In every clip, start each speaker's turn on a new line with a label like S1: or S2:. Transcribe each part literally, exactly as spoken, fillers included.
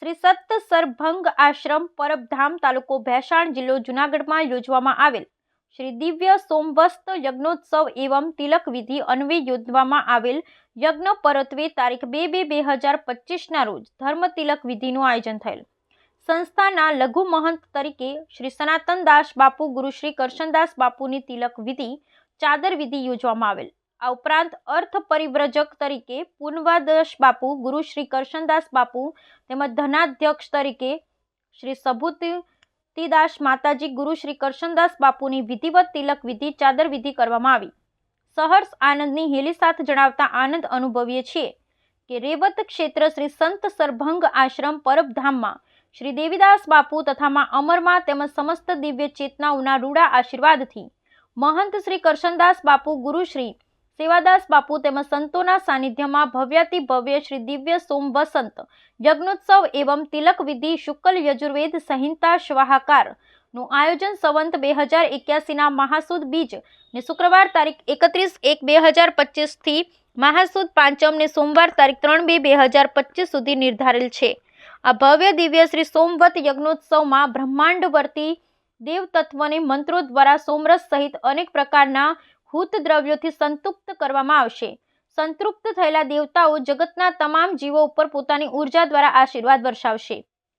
S1: શ્રી સત સરભંગ આશ્રમ પરબધામ તાલુકો ભેસાણ જિલ્લો જૂનાગઢમાં યોજવામાં આવેલ શ્રી દિવ્ય સોમવસ્ત યજ્ઞોત્સવ એવં તિલક વિધિ અન્વયે યોજવામાં આવેલ યજ્ઞ પરત્વે તારીખ બે બે બે હજાર પચીસના રોજ ધર્મ તિલક વિધિનું આયોજન થયેલ. સંસ્થાના લઘુ મહંત તરીકે શ્રી સનાતન દાસ બાપુ ગુરુ શ્રી કરશનદાસ બાપુની તિલક વિધિ ચાદર વિધિ યોજવામાં આવેલ. આ ઉપરાંત અર્થ પરિવ્રજક તરીકે પૂર્વાદાસ બાપુ ગુરુ શ્રી કરશનદાસ બાપુ તેમજ ધનાધ્યક્ષ તરીકે શ્રી સભૂતિદાસ માતાજી ગુરુ શ્રી કરશનદાસ બાપુની વિધિવત તિલક વિધિ ચાદર વિધિ કરવામાં આવી. સહર્ષ આનંદની હેલી સાથે જણાવતા આનંદ અનુભવીએ છીએ કે રેવત ક્ષેત્ર શ્રી સંત સરભંગ આશ્રમ પરબધામમાં શ્રી દેવીદાસ બાપુ તથા માં અમરમાં તેમજ સમસ્ત દિવ્ય ચેતનાઓના રૂડા આશીર્વાદથી મહંત શ્રી કરશનદાસ બાપુ ગુરુ શ્રી સેવાદાસ બાપુ તેમજ સંતોના સાનિધ્યમાં ભવ્યાતિ ભવ્ય શ્રી દિવ્ય સોમ વસંત યજ્ઞોત્સવ એવં તિલક વિધિ શુક્લ યજુર્વેદ સંહિતા સ્વાહાકાર નું આયોજન સંવંત બે હજાર એક્યાસીના મહાસુદ બીજ ને શુક્રવાર તારીખ એકત્રીસ એક બે હજાર પચીસ થી મહાસુદ પાંચમ ને સોમવાર તારીખ ત્રણ બે બે હજાર પચીસ સુધી નિર્ધારેલ છે. આ ભવ્ય દિવ્ય શ્રી સોમવત યજ્ઞોત્સવમાં બ્રહ્માંડવર્તી દેવ તત્વને મંત્રો દ્વારા સોમરસ સહિત અનેક પ્રકારના હૂત દ્રવ્યોથી સંતૃપ્ત કરવામાં આવશે. સંતૃપ્ત થયેલા દેવતાઓ જગતના તમામ જીવો ઉપર પોતાની ઉર્જા દ્વારા આશીર્વાદ વર્ષાવશે.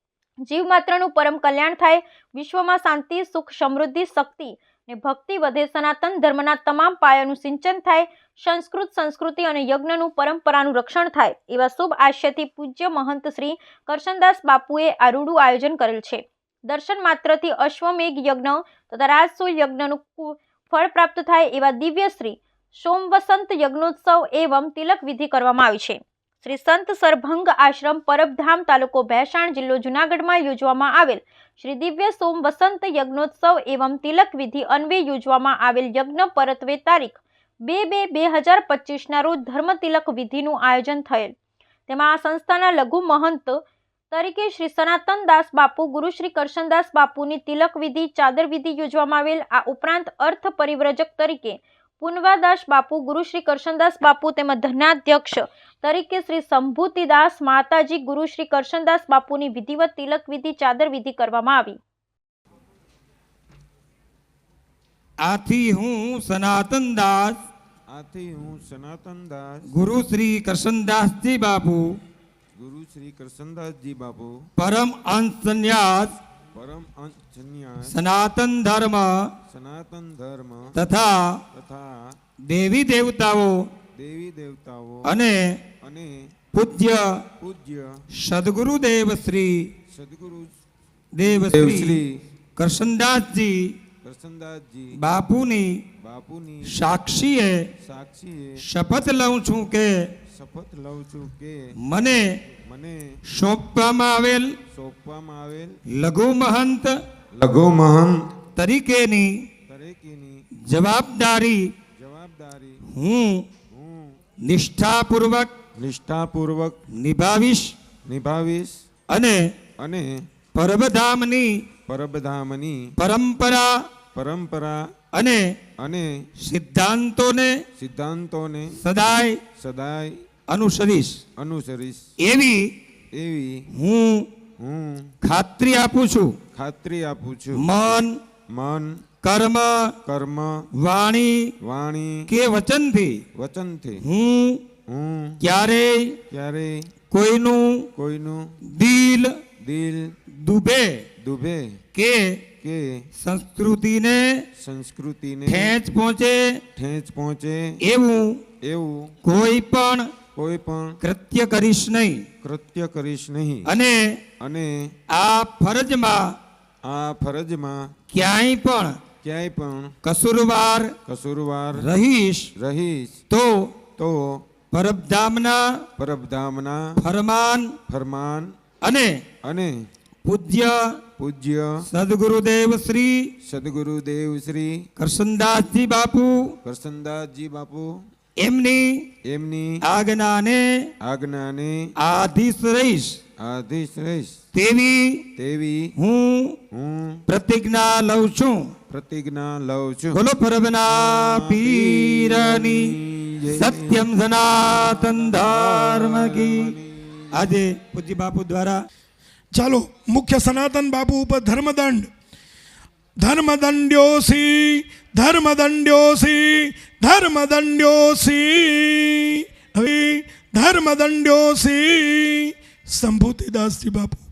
S1: જીવ માત્રનું પરમ કલ્યાણ થાય, વિશ્વમાં શાંતિ, સુખ, સમૃદ્ધિ, શક્તિ ને ભક્તિ વધે, સનાતન ધર્મના તમામ પાયાનું સિંચન થાય, સંસ્કૃત સંસ્કૃતિ અને યજ્ઞનું પરંપરાનું રક્ષણ થાય એવા શુભ આશયથી પૂજ્ય મહંત શ્રી કરશનદાસ બાપુએ આ રૂડું આયોજન કરેલ છે. દર્શન માત્રથી અશ્વમેઘ યજ્ઞ તથા રાજસૂય યજ્ઞનું ફળ પ્રાપ્ત થાય એવા દિવ્ય શ્રી સોમવસંત યજ્ઞોત્સવ એવં તિલક વિધિ કરવામાં આવી છે. શ્રી સંત સરભંગ આશ્રમ પરબધામ તાલુકો ભેસાણ જિલ્લો જૂનાગઢમાં યોજવામાં આવેલ શ્રી દિવ્ય સોમ વસંત યજ્ઞોત્સવ એવં તિલક વિધિ અન્વયે યોજવામાં આવેલ યજ્ઞ પરત્વે તારીખ બે બે બે હજાર પચીસના રોજ ધર્મ તિલક વિધિનું આયોજન થયેલ. તેમાં આ સંસ્થાના લઘુ મહંત તરીકે શ્રી સનાતન દાસ બાપુ ગુરુ શ્રી કરશનદાસ બાપુની તિલક વિધિ ચાદર વિધિ યોજવામાં આવેલ. આ ઉપરાંત અર્થ પરિવ્રજક તરીકે પૂર્વાદાસ બાપુ ગુરુ શ્રી કરશનદાસ બાપુ તેમજ ધનાધ્યક્ષ તરીકે શ્રી સંભૂતિદાસ માતાજી ગુરુ શ્રી કરશનદાસ બાપુની વિધિવત તિલક વિધિ ચાદર વિધિ કરવામાં આવી.
S2: આથી હું સનાતન દાસ
S3: આથી હું સનાતન દાસ
S2: ગુરુ શ્રી કરશનદાસજી બાપુ
S3: ગુરુ શ્રી કરશનદાસજી બાપુ
S2: પરમ અંશ સંન્યાસ
S3: પરમ અંશ સંન્યાસ
S2: સનાતન ધર્મ
S3: સનાતન ધર્મ
S2: તથા
S3: તથા
S2: દેવી દેવતાઓ
S3: દેવી દેવતાઓ
S2: અને
S3: અને
S2: પૂજ્ય
S3: પૂજ્ય
S2: સદગુરુદેવ શ્રી
S3: સદગુરુ
S2: દેવ
S3: શ્રી
S2: શ્રી કરશનદાસજી
S3: કરશનદાસજી
S2: બાપુની
S3: બાપુની
S2: સાક્ષીએ
S3: સાક્ષીએ
S2: શપથ લઉં છું કે
S3: શપથ લઉં છું કે
S2: મને
S3: મને
S2: સોંપવામાં આવેલ
S3: સોંપવામાં આવેલ
S2: લઘુ મહંત
S3: લઘુ મહંત
S2: તરીકેની
S3: તરીકેની
S2: જવાબદારી
S3: જવાબદારી
S2: હું
S3: હું
S2: નિષ્ઠાપૂર્વક
S3: નિષ્ઠાપૂર્વક
S2: નિભાવીશ
S3: નિભાવીશ
S2: અને
S3: અને
S2: પરબધામની
S3: પરબધામની
S2: પરંપરા
S3: પરંપરા
S2: અને
S3: અને
S2: સિદ્ધાંતોને
S3: સિદ્ધાંતોને
S2: સદાય
S3: સદાય
S2: અનુસરીશ
S3: અનુસરીશ
S2: એવી
S3: એવી
S2: હું
S3: હું
S2: ખાતરી આપું છું.
S3: ખાતરી આપું છું.
S2: મન
S3: મન
S2: કર્મ
S3: કર્મ
S2: વાણી
S3: વાણી
S2: કે વચનથી
S3: વચનથી
S2: હું
S3: હું
S2: ક્યારેય
S3: ક્યારેય
S2: કોઈનું
S3: કોઈનું
S2: દિલ
S3: દિલ
S2: દુભે
S3: દુભે
S2: કે
S3: કે
S2: સંસ્કૃતિને
S3: સંસ્કૃતિને
S2: ઠેંચ પહોંચે
S3: ઠેંચ પહોંચે
S2: એવું
S3: એવું
S2: કોઈ પણ
S3: કોઈ પણ
S2: કૃત્ય કરીશ નહીં
S3: કૃત્ય કરીશ નહીં
S2: અને
S3: અને
S2: આ ફરજમાં
S3: આ ફરજમાં
S2: ક્યાંય પણ
S3: ક્યાંય પણ
S2: કસૂરવાર
S3: કસૂરવાર
S2: રહીશ
S3: રહીશ
S2: તો
S3: તો
S2: પરબધામના
S3: પરબધામના
S2: ફરમાન
S3: ફરમાન
S2: અને
S3: અને
S2: પૂજ્ય
S3: પૂજ્ય
S2: સદગુરુદેવ શ્રી
S3: સદગુરુદેવ શ્રી
S2: કરશનદાસજી બાપુ
S3: કરશનદાસજી બાપુ
S2: એમની
S3: એમની
S2: આજ્ઞાને
S3: આજ્ઞાને
S2: આધીશ રહીશ
S3: આધીશ રહીશ
S2: તેવી
S3: તેવી
S2: હું
S3: હું
S2: પ્રતિજ્ઞા લઉં છું.
S3: પ્રતિજ્ઞા લઉં છું.
S2: બોલો પરબના પીરની સત્યમ સનાતન ધર્મ કી. આજે પૂજ્ય બાપુ દ્વારા
S4: ચાલો મુખ્ય સનાતન બાપુ ઉપર ધર્મદંડ. ધર્મદંડ્યોસી ધર્મદંડ્યોસી ધર્મદંડ્યોસી હવે ધર્મદંડ્યોસી સંભૂતિદાસજી બાપુ.